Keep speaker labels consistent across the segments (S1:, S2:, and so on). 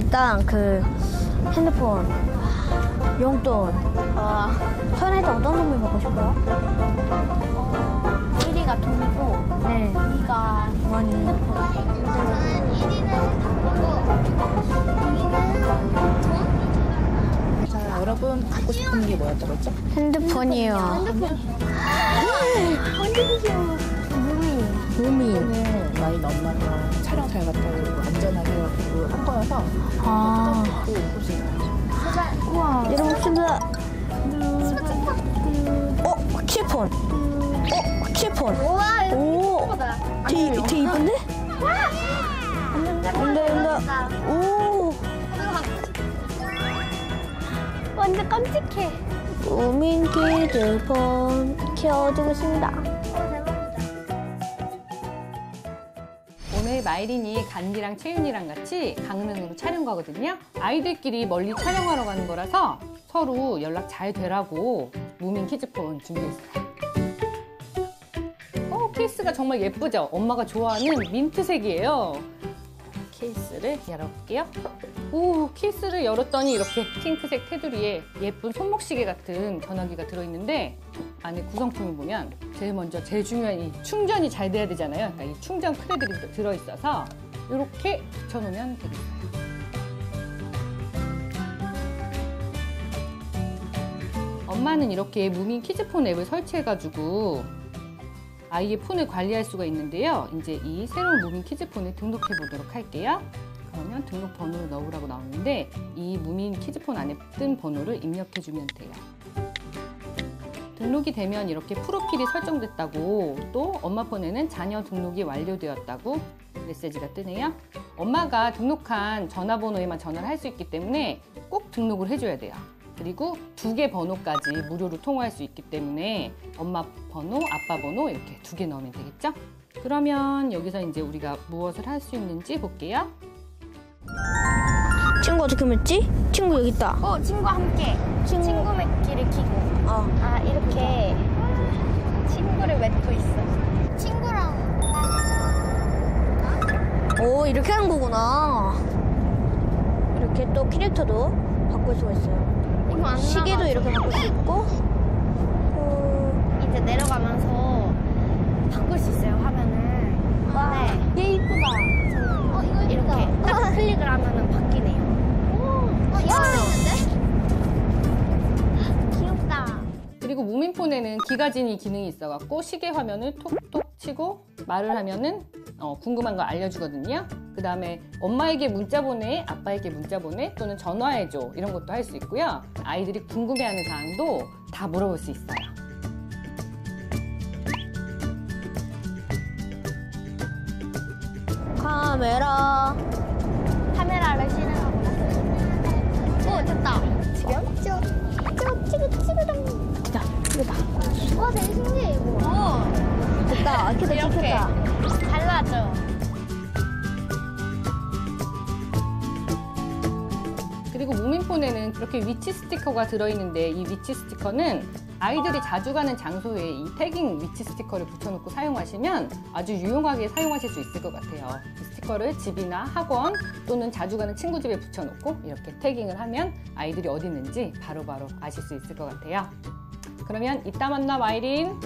S1: 일단 그 핸드폰, 용돈. 서연이한테 어떤 선물 받고 싶어요?
S2: 1위가 돈이고
S1: 네.
S2: 2위가
S1: 머니.
S2: 저는 1위는 돈?
S3: 자, 여러분 갖고 싶은 게 뭐였다고 했죠?
S1: 핸드폰이요. 무민.
S3: 오늘 마인 엄마가 촬영 잘 갔다 오고 안전하게 해가지고 한 거여서
S1: 아.
S3: 또 보시면
S1: 우와. 여러분 진짜. 킬폰. 킬폰.
S2: 우와 이거
S1: 오.
S2: 예쁘다.
S1: 되게 이쁜데? 온다. 오.
S2: 완전 깜찍해.
S1: 무민 키즈폰 키워주겠습니다.
S4: 오늘 마이린이 간디랑 채윤이랑 같이 강릉으로 촬영 가거든요. 아이들끼리 멀리 촬영하러 가는 거라서 서로 연락 잘 되라고 무민 키즈폰 준비했어요. 케이스가 정말 예쁘죠? 엄마가 좋아하는 민트색이에요. 케이스를 열어볼게요. 오, 케이스를 열었더니 이렇게 핑크색 테두리에 예쁜 손목시계 같은 전화기가 들어있는데 안에 구성품을 보면 제일 중요한 이 충전이 잘 돼야 되잖아요. 그러니까 이 충전 크레들이 들어있어서 이렇게 붙여놓으면 되겠어요. 엄마는 이렇게 무민 키즈폰 앱을 설치해가지고 아이의 폰을 관리할 수가 있는데요. 이제 이 새로운 무민 키즈폰을 등록해 보도록 할게요. 그러면 등록 번호를 넣으라고 나오는데 이 무민 키즈폰 안에 뜬 번호를 입력해 주면 돼요. 등록이 되면 이렇게 프로필이 설정됐다고, 또 엄마 폰에는 자녀 등록이 완료되었다고 메시지가 뜨네요. 엄마가 등록한 전화번호에만 전화를 할 수 있기 때문에 꼭 등록을 해줘야 돼요. 그리고 2개 번호까지 무료로 통화할 수 있기 때문에 엄마 번호, 아빠 번호 이렇게 2개 넣으면 되겠죠? 그러면 여기서 이제 우리가 무엇을 할 수 있는지 볼게요.
S1: 친구 어떻게 맺지? 친구 여기 있다.
S2: 친구와 함께 친구 맺기를 키고 이렇게 친구를 맺고 있어. 친구랑
S1: 오, 이렇게 하는 거구나. 이렇게 또 캐릭터도 바꿀 수가 있어요.
S2: 이거 안
S1: 시계도
S2: 나가서.
S1: 이렇게 바꿀 수 있고.
S2: 이제 내려가면서 바꿀 수 있어요, 화면을.
S1: 와,
S2: 네.
S1: 얘 이쁘다.
S2: 이거 이렇게 딱 클릭을 하면은 바뀌네요. 이거 있는데? 귀엽다.
S4: 그리고 무민폰에는 기가진이 기능이 있어갖고 시계 화면을 톡톡 치고 말을 하면은 궁금한 거 알려주거든요. 그 다음에 엄마에게 문자 보내, 아빠에게 문자 보내, 또는 전화해줘 이런 것도 할 수 있고요. 아이들이 궁금해하는 사항도 다 물어볼 수 있어요.
S2: 카메라를 실행하고 있어요. 됐다. 지금? 찍으당.
S1: 됐다.
S2: 와, 되게 신기해, 이거.
S1: 됐다. 이렇게
S2: 이렇게.
S1: 됐다.
S2: 달라져.
S4: 그리고 무민폰에는 이렇게 위치 스티커가 들어있는데 이 위치 스티커는 아이들이 자주 가는 장소에 이 태깅 위치 스티커를 붙여놓고 사용하시면 아주 유용하게 사용하실 수 있을 것 같아요. 이 스티커를 집이나 학원 또는 자주 가는 친구 집에 붙여놓고 이렇게 태깅을 하면 아이들이 어디 있는지 바로바로 아실 수 있을 것 같아요. 그러면 이따 만나, 마이린.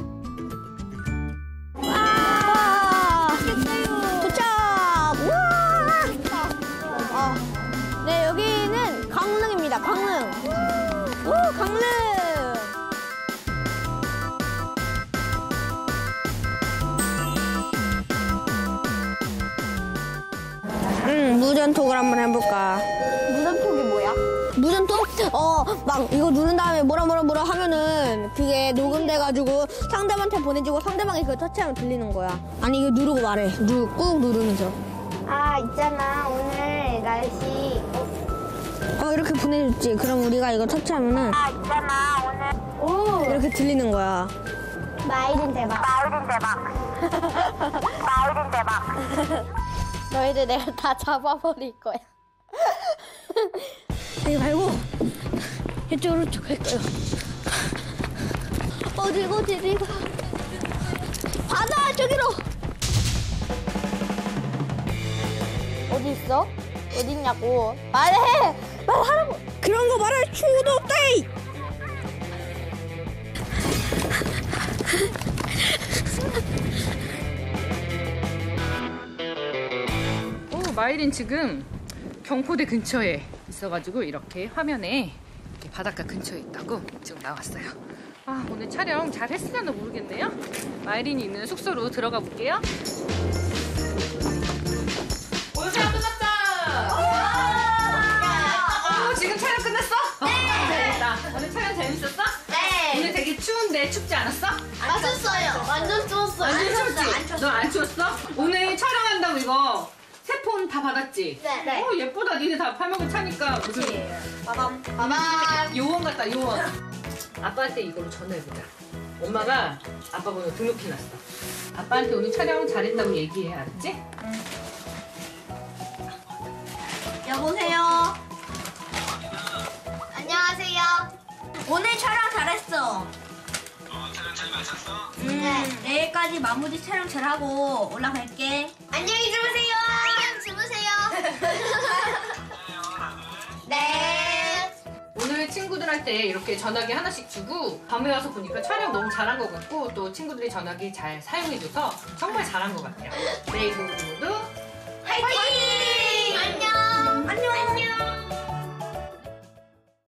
S1: 도착! 우와! 네, 여기는 강릉입니다. 강릉. 오, 강릉. 무전톡을 한번 해볼까?
S2: 무전톡이 뭐야?
S1: 무전톡? 막 이거 누른 다음에 뭐라 하면은 그게 녹음돼가지고 상대방한테 보내주고 상대방이 그걸 터치하면 들리는 거야. 아니, 이거 누르고 말해. 꾹 누르면서.
S2: 있잖아. 오늘 날씨.
S1: 이렇게 보내줬지. 그럼 우리가 이거 터치하면은
S2: 있잖아. 오늘.
S1: 이렇게 들리는 거야.
S2: 마이린 대박. 너희들 내가 다 잡아버릴 거야.
S1: 여기 말고 이쪽으로 쭉 갈까요? 어디 가? 바다 저기로.
S2: 어디 있어?
S1: 어딨냐고. 말해! 말하라고! 그런 거 말할 충고도 없다!
S4: 마이린 지금 경포대 근처에 있어가지고 이렇게 화면에 이렇게 바닷가 근처에 있다고 지금 나왔어요. 아, 오늘 촬영 잘 했으려나 모르겠네요. 마이린이 있는 숙소로 들어가 볼게요. 오늘 촬영 끝났다! 지금 촬영 끝났어? 네! 오늘 촬영 재밌었어?
S1: 네!
S4: 오늘 되게 추운데 춥지 않았어?
S1: 안 췄어요. 완전 추웠어요.
S4: 완전 춥지? 너 안 추웠어? 오늘 촬영한다고 이거 세 폰 다 받았지?
S1: 네.
S4: 예쁘다. 니네 다 팔먹은 차니까 무슨
S1: 빠밤. 빠밤.
S4: 요원 같다, 요원. 아빠한테 이걸로 전화해보자. 엄마가 아빠 번호 등록해놨어. 아빠한테 오늘 촬영 잘했다고 얘기해, 알았지?
S1: 여보세요. 안녕하세요. 오늘 촬영 잘했어.
S5: 촬영 잘 마쳤어?
S1: 네. 내일까지 마무리 촬영 잘하고 올라갈게. 안녕히 주무세요. 안녕히 주무세요. 네.
S4: 오늘 친구들한테 이렇게 전화기 하나씩 주고 밤에 와서 보니까 촬영 너무 잘한 것 같고 또 친구들이 전화기 잘 사용해줘서 정말 잘한 것 같아요. 내일 모두
S1: 화이팅! 안녕. 안녕.